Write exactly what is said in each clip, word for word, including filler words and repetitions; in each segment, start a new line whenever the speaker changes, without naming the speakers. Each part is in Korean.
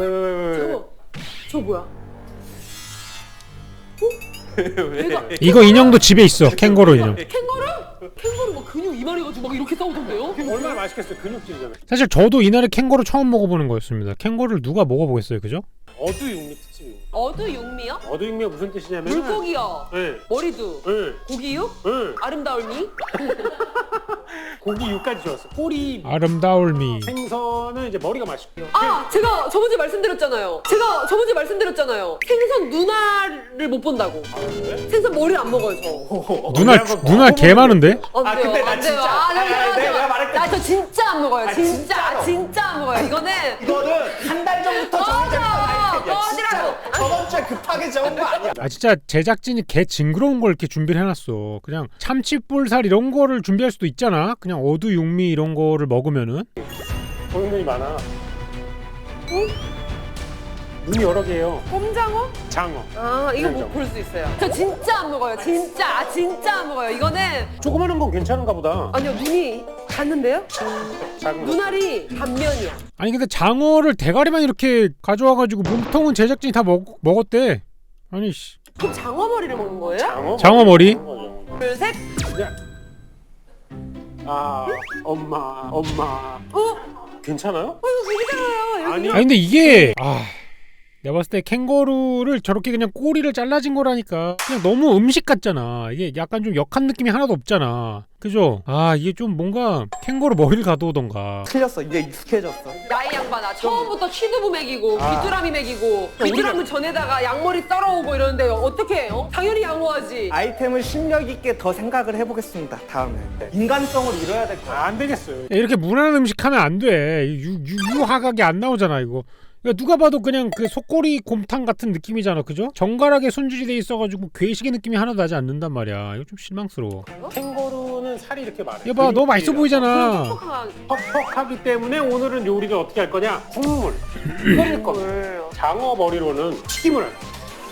왜, 왜, 왜, 왜.
저거 저 뭐야?
왜?
이거 인형도 집에 있어. 캥거루 인형.
캥거루? 캥거루 막 근육 이만해가지고 막 이렇게 싸우던데요?
얼마나 맛있겠어요. 근육질이잖아요.
사실 저도 이날에 캥거루 처음 먹어보는 거였습니다. 캥거루를 누가 먹어보겠어요, 그죠?
어두육미 특집입니다.
어두육미요?
어두육미가 무슨 뜻이냐면
물고기요.
네.
머리도.
네.
고기육?
네.
아름다울미?
고기 육까지 좋았어. 꼬리
아름다울미.
생선은 이제 머리가 맛있고요.
아 제가 저번주에 말씀드렸잖아요. 제가 저번주에 말씀드렸잖아요. 생선 누나를 못 본다고.
아, 그래?
생선 머리를 안 먹어요 저.
누나
내가 그거
누나 개 많은데?
안
아,
돼요,
근데 나
안 돼요.
진짜-
아, 나,
아니, 아니,
나,
내가
나,
말할게.
나 저 진짜 안 먹어요.
아,
진짜,
진짜로.
진짜 안 먹어요. 이거는
이거는 한 달 전부터 정해졌던 아이템이야.
꺼지라고.
진짜 저번 주에 급하게 적은 거 아니야.
아 진짜 제작진이 개 징그러운 걸 이렇게 준비를 해놨어. 그냥 참치볼살 이런 거를 준비할 수도 있잖아. 그냥 어두육미 이런 거를 먹으면은.
보는 눈이 많아. 눈이 여러 개예요.
꼼장어?
장어.
아 이거
꼼장어.
뭐 볼 수 있어요. 저 진짜 안 먹어요. 진짜 아, 진짜 안 먹어요. 이거는
조그마한 건 괜찮은가 보다.
아니요 눈이 갔는데요?
작은 거.
눈알이 단면이야.
아니 근데 장어를 대가리만 이렇게 가져와가지고 몸통은 제작진이 다 먹, 먹었대. 아니 씨.
그럼 장어 머리를 먹는 거예요?
장어?
장어 머리?
거죠.
둘 셋.
그냥 아 엄마 엄마
어?
괜찮아요?
어 이거 고기잖아요. 여기.
아니
아니 근데 이게 아 내가 봤을 때 캥거루를 저렇게 그냥 꼬리를 잘라진 거라니까 그냥 너무 음식 같잖아. 이게 약간 좀 역한 느낌이 하나도 없잖아. 그죠? 아 이게 좀 뭔가 캥거루 머리를 가져오던가.
틀렸어. 이제 익숙해졌어.
야이 양반아 처음부터 취두부 먹이고
아.
귀뚜라미 먹이고 귀뚜라미 전에다가 양머리 썰어오고 이러는데 어떻게 해요? 당연히 양호하지.
아이템을 심력 있게 더 생각을 해보겠습니다. 다음에 인간성을 잃어야 될 거야.
아, 안 되겠어요.
야, 이렇게 무난한 음식 하면 안 돼. 유, 유, 유하각이 안 나오잖아 이거. 야, 누가 봐도 그냥 그 속꼬리 곰탕 같은 느낌이잖아, 그죠? 정갈하게 손질이 돼 있어가지고 괴식의 느낌이 하나도 나지 않는단 말이야. 이거 좀 실망스러워.
캥거루는 살이 이렇게 많아요.
이거 봐, 너무 맛있어 보이잖아.
퍽퍽한
퍽퍽하기 때문에 오늘은 요리를 어떻게 할 거냐? 국물 끓일 겁니다.
물.
장어 머리로는 튀김을 할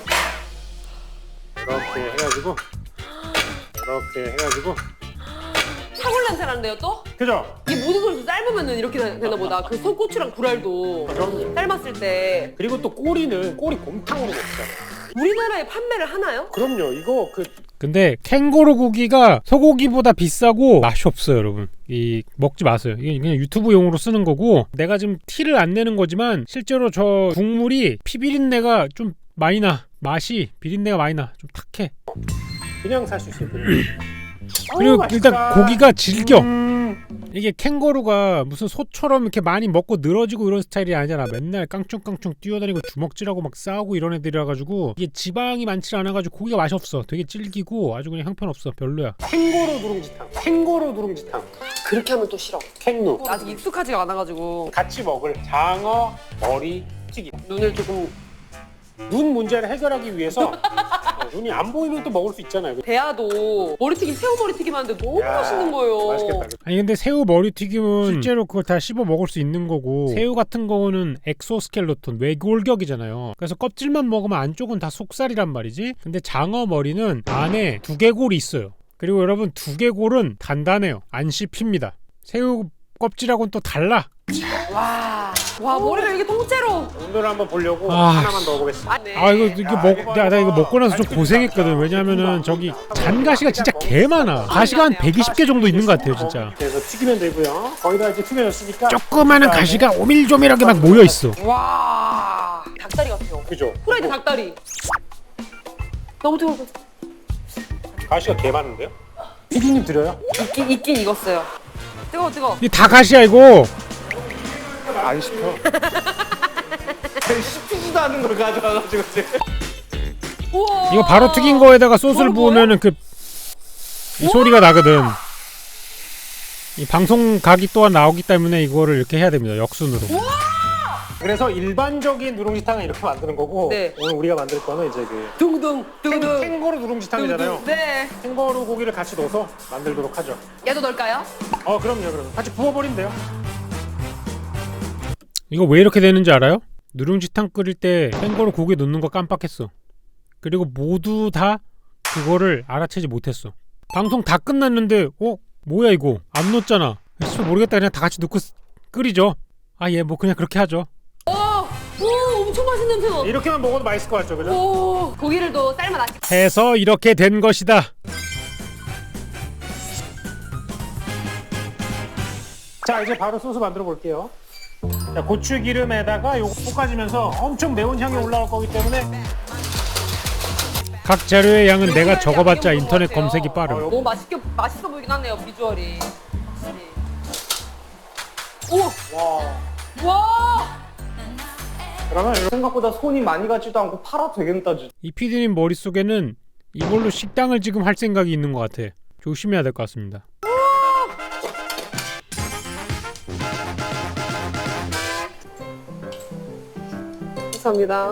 거예요. 이렇게 해가지고 이렇게 해가지고
사골 냄새 나는데요 또?
그죠?
이 모든 걸 삶으면 이렇게 되나 보다. 그 소고추랑 불알도
그럼
삶았을 때
그리고 또 꼬리는 꼬리 곰탕으로 먹잖아요.
우리나라에 판매를 하나요?
그럼요. 이거 그
근데 캥거루 고기가 소고기보다 비싸고 맛이 없어요, 여러분. 이 먹지 마세요. 이게 그냥 유튜브용으로 쓰는 거고 내가 지금 티를 안 내는 거지만 실제로 저 국물이 피비린내가 좀 많이 나. 맛이 비린내가 많이 나. 좀 탁해.
그냥 살 수 있어요. 그냥.
그리고
어우,
일단
맛있다.
고기가 질겨.
음.
이게 캥거루가 무슨 소처럼 이렇게 많이 먹고 늘어지고 이런 스타일이 아니잖아. 맨날 깡충깡충 뛰어다니고 주먹질하고 막 싸우고 이런 애들이라 가지고 이게 지방이 많지 않아 가지고 고기가 맛이 없어. 되게 질기고 아주 그냥 형편없어. 별로야.
캥거루 누룽지탕. 캥거루 누룽지탕.
그렇게 하면 또 싫어.
캥누.
아직 익숙하지가 않아가지고
같이 먹을 장어 머리 튀김.
눈을 조금
눈 문제를 해결하기 위해서 어, 눈이 안 보이면 또 먹을 수 있잖아요.
대하도 머리튀김 새우 머리튀김 하는데 너무
야,
맛있는 거예요.
맛있겠다.
아니 근데 새우 머리튀김은 실제로 그걸 다 씹어 먹을 수 있는 거고 새우 같은 거는 엑소스켈레톤 외골격이잖아요. 그래서 껍질만 먹으면 안쪽은 다 속살이란 말이지. 근데 장어 머리는 안에 두개골이 있어요. 그리고 여러분 두개골은 단단해요. 안 씹힙니다. 새우 껍질하고는 또 달라.
와, 와 머리를 이렇게 통째로.
오늘 한번 보려고
아,
하나만 넣어보겠습니다.
아, 네.
아 이거 이게
야,
먹
이거
나, 나 이거
이거
먹고 나서 좀
맛있겠다.
고생했거든. 왜냐면은 저기 잔가시가 진짜 개 많아. 가시가 한 백이십 개 정도 있는 것 같아요, 진짜.
그래서 튀기면 되고요. 거의 다 이제 튀겨졌으니까.
조그마한 가시가 오밀조밀하게 막 모여 있어.
와, 닭다리 같아요.
그죠?
후라이드 닭다리. 너무 뜨거워.
가시가 개 많은데요? 피디님 드려요?
익긴 익긴 익었어요. 뜨거워 뜨거워.
이 다 가시야 이거.
안 씹혀. 씹히지도 않은 걸 가져와가지고 지금.
우와.
이거 바로 튀긴 거에다가 소스를
뭐야,
부으면은 그 이 소리가 나거든. 이 방송 각이 또한 나오기 때문에 이거를 이렇게 해야 됩니다. 역순으로.
그래서 일반적인 누룽지탕은 이렇게 만드는 거고
네.
오늘 우리가 만들 거는 이제 그
둥둥 둥둥.
캥거루 누룽지탕이잖아요.
네.
캥거루 고기를 같이 넣어서 만들도록 하죠.
얘도 넣을까요?
어 그럼요, 그럼 같이 부어버리면 돼요.
이거 왜 이렇게 되는지 알아요? 누룽지탕 끓일 때 캥거루 고기 넣는 거 깜빡했어. 그리고 모두 다 그거를 알아채지 못했어. 방송 다 끝났는데 어? 뭐야 이거? 안 넣었잖아. 씨 모르겠다. 그냥 다 같이 넣고 쓰- 끓이죠. 아 예 뭐 그냥 그렇게 하죠.
오, 오, 엄청 맛있는 냄새 나.
이렇게만 먹어도 맛있을 것 같죠, 그죠?
오, 고기를 또 삶아놨기.
해서 이렇게 된 것이다.
자, 이제 바로 소스 만들어 볼게요. 자, 고추 기름에다가 요거 볶아지면서 엄청 매운 향이 올라올 거기 때문에
각 재료의 양은 내가 적어봤자 인터넷 검색이 빠름.
너무 맛있게 맛있어 보이긴 하네요, 비주얼이. 확실히. 오,
와.
와.
그러면 이렇게
생각보다 손이 많이 가지도 않고 팔아도 되겠다. 진짜.
이 피디님 머릿속에는 이걸로 식당을 지금 할 생각이 있는 것 같아. 조심해야 될 것 같습니다.
감사합니다.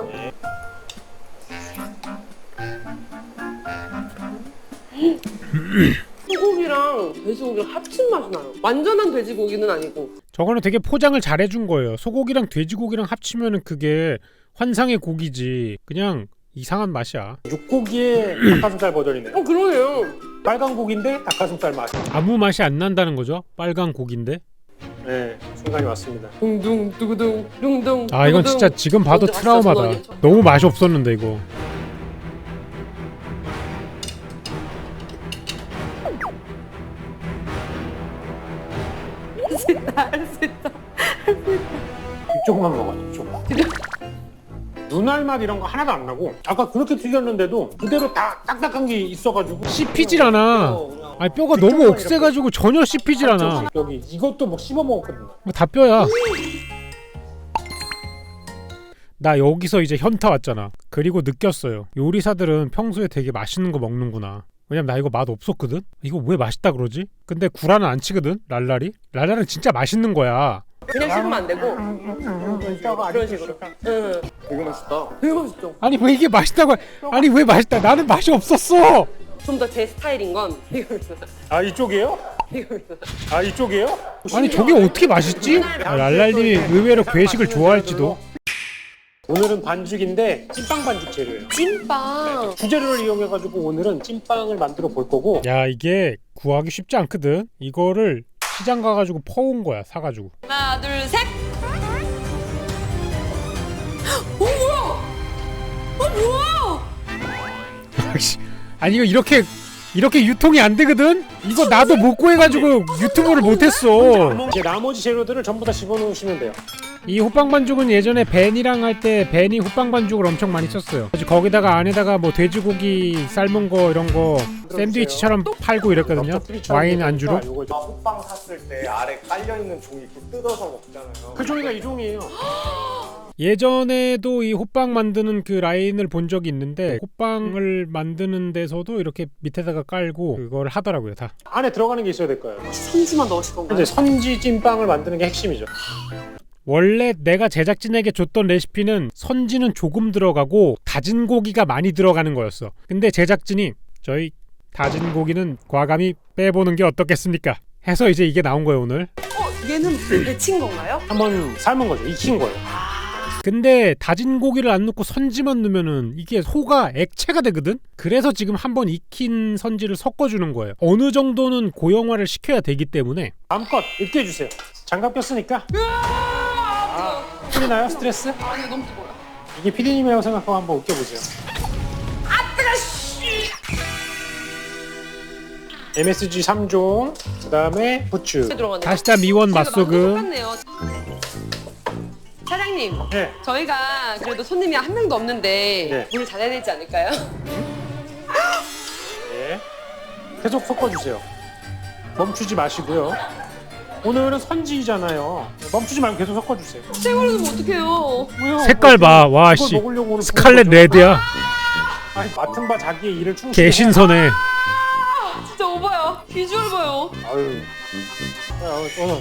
소고기랑 돼지고기랑 합친 맛이 나요. 완전한 돼지고기는 아니고.
저거는 되게 포장을 잘 해준 거예요. 소고기랑 돼지고기랑 합치면은 그게 환상의 고기지. 그냥 이상한 맛이야.
육고기의 닭가슴살 버전이네요.
어, 그러네요.
빨간 고기인데 닭가슴살 맛.
아무 맛이 안 난다는 거죠. 빨간 고기인데.
네, 순간이 왔습니다.
둥둥 두구둥 둥둥.
아 이건
두구둥.
진짜 지금 봐도
진짜
트라우마다.
맛있어, 저는.
너무 맛이 없었는데 이거.
할수 있다.
이쪽만 먹어요, 이쪽만. 눈알 맛 이런 거 하나도 안 나고 아까 그렇게 튀겼는데도 그대로 다 딱딱한 게 있어가지고
씹히질 않아. 아니 뼈가 너무 억세가지고 전혀 씹히질 않아.
여기 이것도 뭐 씹어 먹었거든요.
뭐 다 뼈야. 나 여기서 이제 현타 왔잖아. 그리고 느꼈어요. 요리사들은 평소에 되게 맛있는 거 먹는구나. 왜냐면 나 이거 맛 없었거든? 이거 왜 맛있다 그러지? 근데 구라는 안 치거든? 랄랄이? 랄랄은 진짜 맛있는 거야.
그냥 씹으면 안 되고 그런 식으로. 응.
되게 맛있다.
되게 맛있죠.
아니 왜 이게 맛있다고 해? 아니 왜 맛있다? 나는 맛이 없었어.
좀 더 제 스타일인 건 이겁니다.
아 이쪽이에요?
이겁니다.
아 이쪽이에요?
아니 저게 어떻게 맛있지? 아, 랄랄님이 의외로 괴식을 좋아할지도.
오늘은 반죽인데 찐빵 반죽 재료예요.
찐빵.
주재료를 이용해가지고 오늘은 찐빵을 만들어 볼 거고.
야 이게 구하기 쉽지 않거든? 이거를 시장 가가지고 퍼온 거야 사가지고.
하나, 둘, 셋. 어 뭐야? 어 뭐야?
아니 이거 이렇게 이렇게 유통이 안 되거든? 이거 나도 못 구해가지고 유튜브를 못했어.
이제 나머지 재료들을 전부 다 집어넣으시면 돼요.
이 호빵 반죽은 예전에 벤이랑 할 때 벤이 호빵 반죽을 엄청 많이 썼어요. 그래서 거기다가 안에다가 뭐 돼지고기 삶은 거 이런 거 샌드위치처럼 팔고 이랬거든요. 와인 안주로.
요거
나 호빵 샀을 때 아래 깔려있는 종이 이렇게 뜯어서 먹잖아요.
그 종이가 이 종이에요.
예전에도 이 호빵 만드는 그 라인을 본 적이 있는데 호빵을 만드는 데서도 이렇게 밑에다가 깔고 그걸 하더라고요 다.
안에 들어가는 게 있어야 될 거예요.
선지만 넣으실 건가요?
이제 선지 찐빵을 만드는 게 핵심이죠.
원래 내가 제작진에게 줬던 레시피는 선지는 조금 들어가고 다진 고기가 많이 들어가는 거였어. 근데 제작진이 저희 다진 고기는 과감히 빼보는 게 어떻겠습니까? 해서 이제 이게 나온 거예요 오늘.
어, 얘는 데친 건가요?
한번 삶은 거죠. 익힌 거예요.
근데 다진 고기를 안 넣고 선지만 넣으면은 이게 소가 액체가 되거든? 그래서 지금 한번 익힌 선지를 섞어주는 거예요. 어느 정도는 고형화를 시켜야 되기 때문에.
마음껏 으깨 주세요. 장갑 꼈으니까. 아, 풀리나요 스트레스?
아니 너무 뜨거워요.
이게 피디님이라고 생각하고 한번 으깨보세요. 엠에스지 삼 종, 그 다음에 부추.
들어가네요.
다시다 미원 맛소금.
똑같네요. 사장님,
네.
저희가 그래도 손님이 한 명도 없는데
네.
물 잘해야 되지 않을까요?
네. 계속 섞어주세요. 멈추지 마시고요. 오늘은 선지잖아요. 멈추지 말고 계속 섞어주세요.
생으로 넣으면 어떡해요?
왜요?
색깔 봐. 와
이걸
씨.
먹으려고 오늘
스칼렛
부른 거죠?
레드야.
아니, 맡은 바 자기의 일을 충실히
개신선해.
진짜 오바야. 비주얼 봐요.
해. 아유. 야, 오늘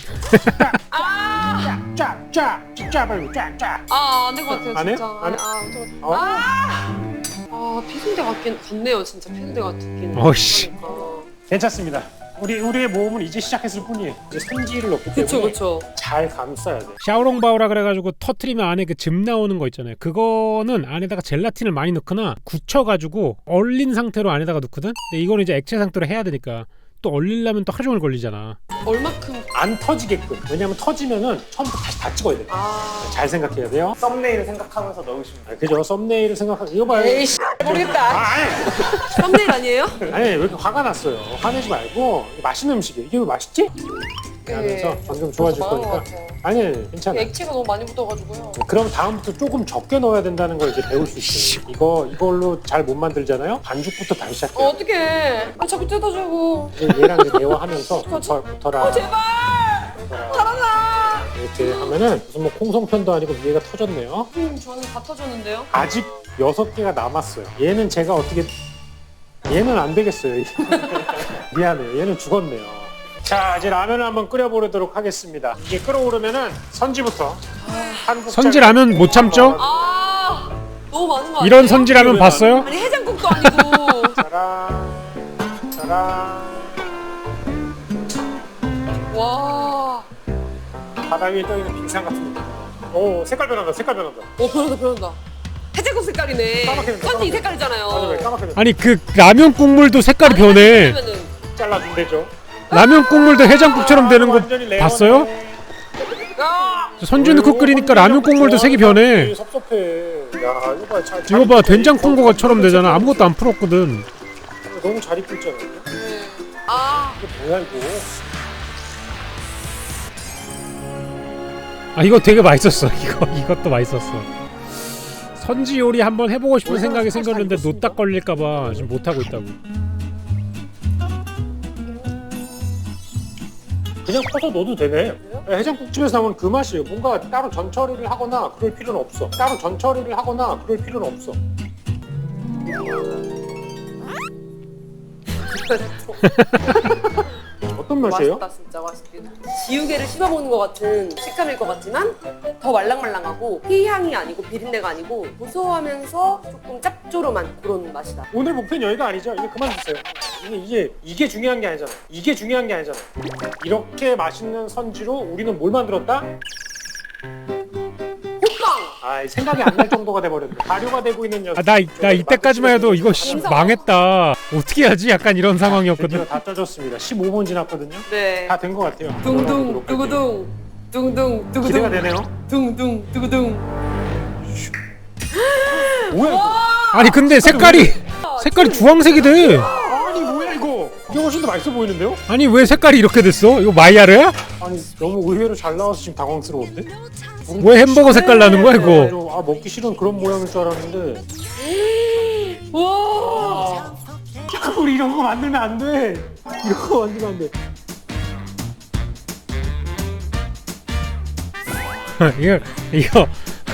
아,
쫙쫙 쫙 빨리 쫙쫙.
아, 안 될 것 같아요,
안 해요?
진짜.
안 해?
아, 안 될 것
어?
같아요. 아, 아, 피순대 같긴 같네요, 진짜 피순대 같긴.
어이씨.
그러니까.
괜찮습니다. 우리 우리의 모험은 이제 시작했을 뿐이에요. 이제 선지를 넣기 때문에
그쵸, 그쵸.
잘 감싸야 돼.
샤오롱바오라 그래가지고 터트리면 안에 그 즙 나오는 거 있잖아요. 그거는 안에다가 젤라틴을 많이 넣거나 굳혀가지고 얼린 상태로 안에다가 넣거든. 근데 이거는 이제 액체 상태로 해야 되니까 또 얼리려면 또 하루 종일 걸리잖아.
얼마큼?
안 터지게끔. 왜냐면 터지면은 처음부터 다시 다 찍어야 돼.
아.
잘 생각해야 돼요.
썸네일을 생각하면서 넣으시면 돼요.
아, 그죠? 썸네일을 생각하고 이거 봐요.
에이씨 모르겠다.
아, 아니.
썸네일 아니에요?
아니 왜 이렇게 화가 났어요? 화내지 말고 이게 맛있는 음식이에요. 이게 왜 맛있지? 하면서
네.
방금 좋아질
망한 것
거니까.
같아요.
아니 아니 괜찮아.
액체가 너무 많이 묻어가지고요.
그럼 다음부터 조금 적게 넣어야 된다는 걸 이제 배울 수 있어요. 이거 이걸로 잘 못 만들잖아요. 반죽부터 다시 시작해요.
어, 어떡해. 아, 자꾸 뜯어주고.
이제 얘랑 이제 대화하면서 붙어, 붙어라.
어, 제발!
붙어라.
살아나!
이렇게 하면은 무슨 뭐 콩송편도 아니고 위에가 터졌네요.
음, 저는 다 터졌는데요?
아직 여섯 개가 남았어요. 얘는 제가 어떻게 얘는 안 되겠어요. 미안해요. 얘는 죽었네요. 자, 이제 라면을 한번 끓여보도록 하겠습니다. 이게 끓어오르면은 선지부터 한국
선지 라면 못 참죠?
아, 너무 많은 거 아니에요?
이런 선지 라면 봤어요?
아니, 해장국도 아니고.
짜란 짜란
와.
바다 위에 떠있는 빙산 같은 느낌. 오, 색깔 변한다. 색깔 변한다.
어, 변한다, 변한다. 해장국 색깔이네.
까맣게
선지
된다,
이
까맣게.
색깔이잖아요.
맞아, 왜 까맣게 된다.
아니 그 라면 국물도 색깔이 변해.
그러면은
잘라준대죠.
라면 국물도 해장국처럼 되는 거
완전히 레어네.
봤어요?
아!
선지 넣고 끓이니까 라면 국물도 색이 변해.
섭섭해. 야, 이거 봐. 잘,
이거 봐, 된장 콩고가처럼 되잖아. 아무것도 안 풀었거든.
너무 잘 입고 있잖아. 이게
네. 아,
뭐야 이거?
아 이거 되게 맛있었어. 이거 이것도 맛있었어. 선지 요리 한번 해보고 싶은 생각이 생겼는데 노딱 걸릴까봐 지금 못 하고 있다고.
그냥 퍼서 넣어도 되네. 해장국집에서 나오는 그 맛이에요. 뭔가 따로 전처리를 하거나 그럴 필요는 없어. 따로 전처리를 하거나 그럴 필요는 없어. 어떤 맛이에요?
맛있다, 진짜 맛있긴. 지우개를 씹어 먹는 것 같은 식감일 것 같지만 더 말랑말랑하고 피향이 아니고 비린내가 아니고 고소하면서 조금 짭조름한 그런 맛이다.
오늘 목표는 여기가 아니죠. 이제 그만 드세요. 이게 이게 이게 중요한 게 아니잖아요. 이게 중요한 게 아니잖아요. 이렇게 맛있는 선지로 우리는 뭘 만들었다?
호빵!
아, 생각이 안 날 정도가 돼버렸네. 발효가 되고 있는 녀석.
아 나 나 이때까지만 해도 이거 씨, 망했다. 어떻게 하지? 약간 이런 상황이었거든.
드디어 다 쪄졌습니다. 십오 분 지났거든요.
네.
다 된 것 같아요.
둥둥,
열어보도록 할게요.
두구둥. 둥둥, 두구둥.
기대가 되네요.
둥둥, 두구둥.
뭐야 이거?
아니 근데 색깔이 색깔이 주황색이 돼.
아니 뭐야 이거? 이게 훨씬 더 맛있어 보이는데요?
아니 왜 색깔이 이렇게 됐어? 이거 마이야르야?
아니 너무 의외로 잘 나와서 지금 당황스러운데?
왜 햄버거 색깔 나는 거야 이거?
아 먹기 싫은 그런 모양일 줄 알았는데
와!
자꾸 우리 이런 거 만들면 안 돼. 이런 거 만들면 안 돼.
이거 이거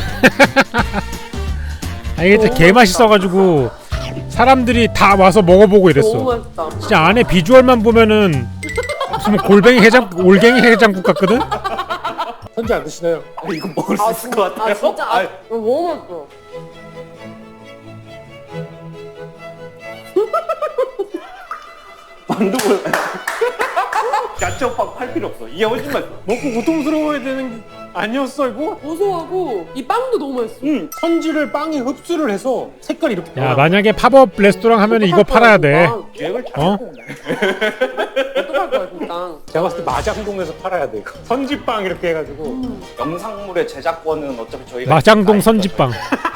아 이게 진짜 개 맛있어가지고 사람들이 다 와서 먹어보고
너무
이랬어.
맛있다.
진짜 안에 비주얼만 보면은 무슨 골뱅이 해장 올갱이 해장국 같거든.
선지 안 드시나요?
아니, 이거 먹을 수 있을 것 같아요.
아, 진짜. 아,
아니,
너무 맛있어.
만두고 야채 오빠 팔 필요 없어. 이게 훨씬 맛있어.
먹고 고통스러워야 되는 게 아니었어 이거?
고소하고 이 빵도 너무 맛있어.
응. 선지를 빵이 흡수를 해서 색깔이 이렇게
야
변화.
만약에 팝업 레스토랑 하면 이거 팔아야 돼.
계획을 잘
어?
세웠네.
어떡할 거야, 진짜.
제가 봤을 때 마장동에서 팔아야 돼 이거. 선지빵 이렇게 해가지고.
영상물의 제작권은 어차피 저희가
마장동
다
선지빵.
있어요.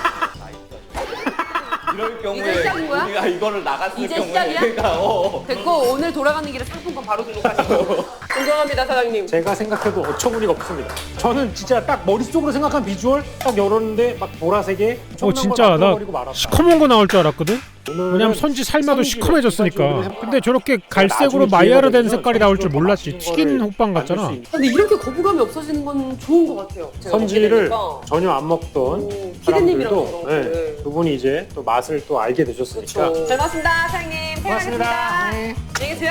이럴 경우에
이제 시작인 거야?
우리가 이거를 나갔을
이제
경우에
시작이야?
얘가 어.
됐고 오늘 돌아가는 길에 상품권 바로 등록하시고 존경합니다 사장님.
제가 생각해도 어처구니가 없습니다. 저는 진짜 딱 머릿속으로 생각한 비주얼 딱 열었는데 막 보라색에
어 진짜 나 시커먼 거 나올 줄 알았거든. 왜냐면 선지 삶아도 시커매졌으니까. 근데 저렇게 갈색으로 마이야르 된 색깔이 나올 줄 몰랐지. 튀긴 호빵 같잖아.
근데 이렇게 거부감이 없어지는 건 좋은 것 같아요. 제가 먹게
선지를
되니까.
전혀 안 먹던
오, 피디님이랑
사람들도
그런
네,
거를.
두 분이 이제 또 맛을 또 알게 되셨으니까.
그렇죠. 잘 먹었습니다 사장님.
고맙습니다.
네. 안녕히 계세요.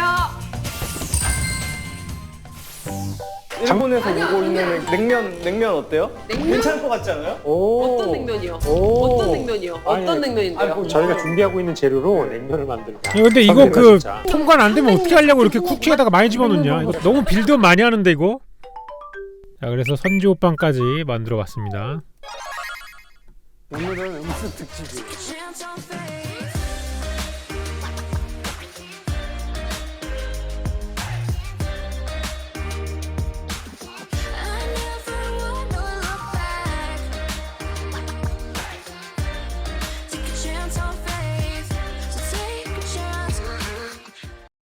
일본에서
아니야,
오고
그게
있는
아니야.
냉면 냉면 어때요?
냉면?
괜찮을 것 같지 않아요?
오.
어떤 냉면이요?
오.
어떤 냉면이요?
아니,
어떤 냉면인데요?
아니, 뭐
저희가 준비하고 있는 재료로 냉면을 만들까.
야, 근데 이거
선배가
그
진짜.
통관 안 되면 어떻게 하려고 이렇게 쿠키에다가 많이 집어넣냐? 이거 너무 빌드업 많이 하는데 이거. 자 그래서 선지 호빵까지 만들어 봤습니다.
오늘은 음식 특집이에요.
Hands on face.